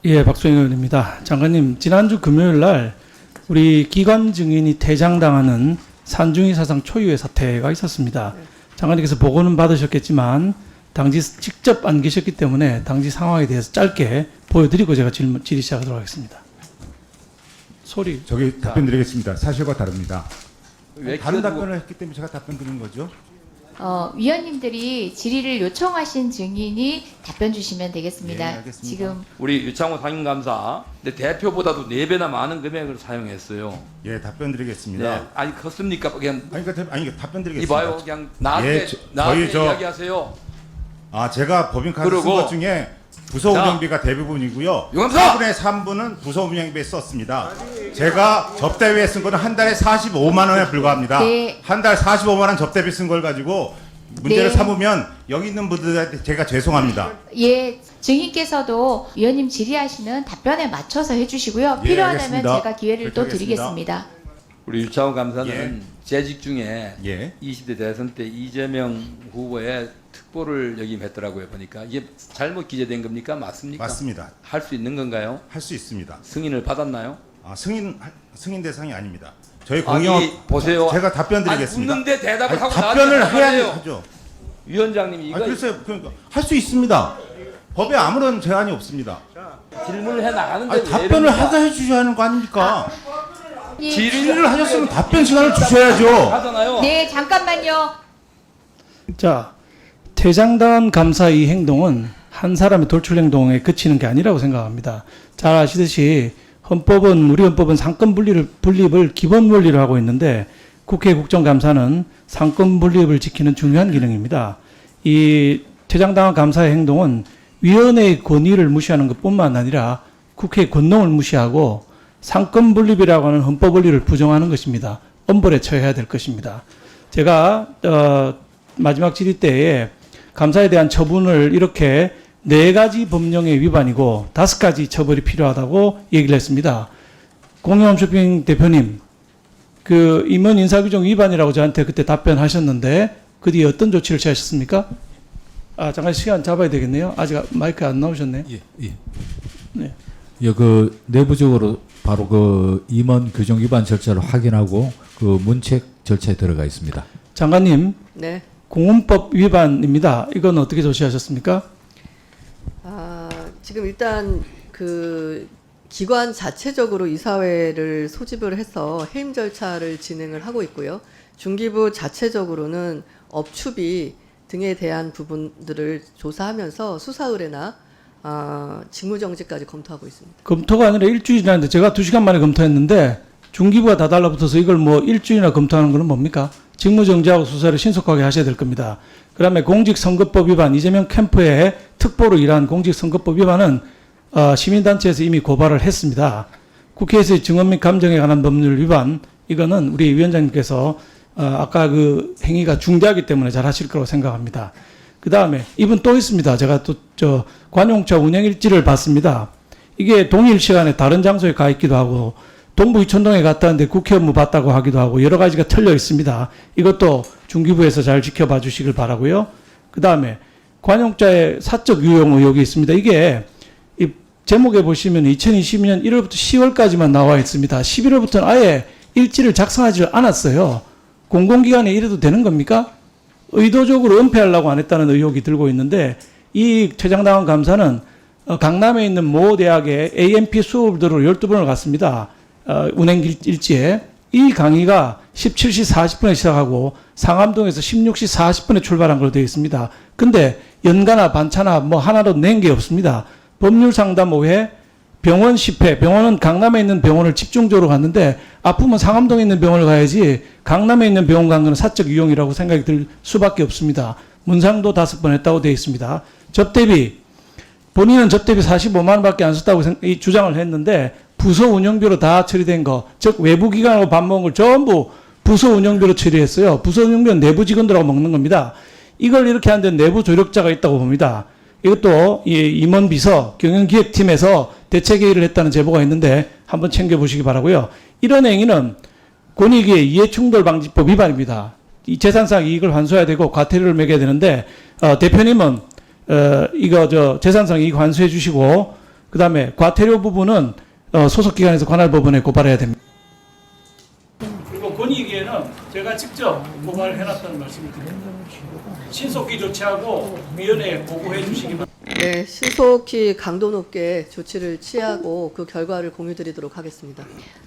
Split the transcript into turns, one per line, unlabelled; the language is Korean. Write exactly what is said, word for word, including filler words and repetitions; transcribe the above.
예, 박수영 의원입니다. 장관님, 지난주 금요일 날 우리 기관 증인이 퇴장당하는 산중이 사상 초유의 사태가 있었습니다. 장관님께서 보고는 받으셨겠지만 당시 직접 안 계셨기 때문에 당시 상황에 대해서 짧게 보여드리고 제가 질문, 질의 시작하도록 하겠습니다. 소리.
저기 답변 드리겠습니다. 사실과 다릅니다.
왜
다른
끼어들고-
답변을 했기 때문에 제가 답변 드리는 거죠.
어, 위원님들이 질의를 요청하신 증인이 답변 주시면 되겠습니다.
네, 알겠습니다.
지금
우리 유창호 상임감사 근데 대표보다도 네 배나 많은 금액을 사용했어요.
예, 답변 드리겠습니다.
네, 아니 컸습니까? 그냥
아니, 그러니까, 아니, 답변 드리겠습니다.
이봐요, 그냥 나한테
예, 저-
나한테
저희 저-
이야기하세요.
아, 제가 법인카드 쓴
그리고-
것 중에 부서
자,
운영비가 대부분이고요.
유감사!
사분의 삼분은 부서 운영비에 썼습니다. 제가 접대비에 쓴 거는 한 달에 사십오만 원에 불과합니다.
네.
한 달 사십오만 원 접대비 쓴 걸 가지고 문제를
네.
삼으면 여기 있는 분들한테 제가 죄송합니다.
예, 증인께서도 위원님 질의하시는 답변에 맞춰서 해주시고요.
예,
필요하다면
알겠습니다.
제가 기회를 또
그렇게
드리겠습니다.
우리 유창호 감사는
예.
재직 중에
예.
이십 대 대선 때 이재명 후보의 특보를 역임했더라고요. 보니까 이게 잘못 기재된 겁니까? 맞습니까?
맞습니다.
할 수 있는 건가요?
할 수 있습니다.
승인을 받았나요?
아, 승인 승인 대상이 아닙니다. 저희
아니,
공영
보세요.
제가 답변
아니,
드리겠습니다.
묻는데 대답을
아니,
하고
답변을
나한테
해야
하세요.
하죠.
위원장님이 이거
아, 글쎄요, 그러니까 할 수 있습니다. 법에 아무런 제한이 없습니다.
질문을 해 나가는데
아니,
왜
답변을
이럽니까?
하게 해주셔야 하는 거 아닙니까?
예,
질의를 하셨으면 답변 시간을 주셔야죠.
하잖아요.
네, 잠깐만요.
자, 퇴장당한 감사 이 행동은 한 사람의 돌출 행동에 그치는 게 아니라고 생각합니다. 잘 아시듯이 헌법은 우리 헌법은 상권 분리를 분립을 기본 원리로 하고 있는데 국회 국정감사는 상권 분립을 지키는 중요한 기능입니다. 이 퇴장당한 감사의 행동은 위원회의 권위를 무시하는 것뿐만 아니라 국회의 권능을 무시하고 상권 분립이라고 하는 헌법 원리를 부정하는 것입니다. 엄벌에 처해야 될 것입니다. 제가 어, 마지막 질의 때에 감사에 대한 처분을 이렇게 네 가지 법령의 위반이고 다섯 가지 처벌이 필요하다고 얘기를 했습니다. 공영홈쇼핑 대표님, 그 임원 인사규정 위반이라고 저한테 그때 답변하셨는데 그 뒤에 어떤 조치를 취하셨습니까? 아, 잠깐 시간 잡아야 되겠네요. 아직 마이크 안 나오셨네.
예, 예.
네.
예, 그 내부적으로 바로 그 임원 규정 위반 절차를 확인하고 그 문책 절차에 들어가 있습니다.
장관님,
네.
공원법 위반입니다. 이건 어떻게 조치하셨습니까?
아, 지금 일단 그 기관 자체적으로 이사회를 소집을 해서 해임 절차를 진행을 하고 있고요. 중기부 자체적으로는 업추비 등에 대한 부분들을 조사하면서 수사 의뢰나 아, 직무정지까지 검토하고 있습니다.
검토가 아니라 일주일이라는데 제가 두 시간 만에 검토했는데 중기부가 다 달라붙어서 이걸 뭐 일주일이나 검토하는 거는 뭡니까? 직무정지하고 수사를 신속하게 하셔야 될 겁니다. 그 다음에 공직선거법 위반, 이재명 캠프의 특보로 일한 공직선거법 위반은 어, 시민단체에서 이미 고발을 했습니다. 국회에서의 증언 및 감정에 관한 법률 위반, 이거는 우리 위원장님께서 어, 아까 그 행위가 중대하기 때문에 잘 하실 거라고 생각합니다. 그 다음에 이분 또 있습니다. 제가 또 저 관용차 운영일지를 봤습니다. 이게 동일 시간에 다른 장소에 가 있기도 하고 동부 이촌동에 갔다 왔는데 국회 업무 봤다고 하기도 하고 여러 가지가 틀려 있습니다. 이것도 중기부에서 잘 지켜봐 주시길 바라고요. 그 다음에 관용자의 사적 유용 의혹이 있습니다. 이게 이 제목에 보시면 이천이십 년 일월부터 시월까지만 나와 있습니다. 십일월부터는 아예 일지를 작성하지 않았어요. 공공기관에 이래도 되는 겁니까? 의도적으로 은폐하려고 안 했다는 의혹이 들고 있는데 이 퇴장당한 감사는 어, 강남에 있는 모 대학의 에이엠피 수업을 들으러 열두 번을 갔습니다. 어, 운행 일지에. 이 강의가 십칠 시 사십 분에 시작하고 상암동에서 십육 시 사십 분에 출발한 걸로 되어 있습니다. 근데 연가나 반차나 뭐 하나도 낸 게 없습니다. 법률상담 오 회, 병원 십 회, 병원은 강남에 있는 병원을 집중적으로 갔는데 아프면 상암동에 있는 병원을 가야지 강남에 있는 병원 간 거는 사적 이용이라고 생각이 들 수밖에 없습니다. 문상도 다섯 번 했다고 되어 있습니다. 접대비, 본인은 접대비 사십오만 원밖에 안 썼다고 생, 이 주장을 했는데 부서 운영비로 다 처리된 거, 즉 외부 기관하고 밥 먹은 걸 전부 부서 운영비로 처리했어요. 부서 운영비는 내부 직원들하고 먹는 겁니다. 이걸 이렇게 하는데 내부 조력자가 있다고 봅니다. 이것도 이 임원 비서 경영기획팀에서 대책회의를 했다는 제보가 있는데 한번 챙겨보시기 바라고요. 이런 행위는 권익위의 이해충돌방지법 위반입니다. 이 재산상 이익을 환수해야 되고 과태료를 매겨야 되는데 어, 대표님은 어, 이거 저 재산상 이익 환수해 주시고 그다음에 과태료 부분은 어, 소속 기관에서 관할 법원에 고발해야 됩니다. 그리고 권익위에는 제가 직접 고발을 해놨다는 말씀을 드립니다. 신속히 조치하고 위원회에 보고해 주시기 바랍니다.
네, 신속히 강도 높게 조치를 취하고 그 결과를 공유드리도록 하겠습니다.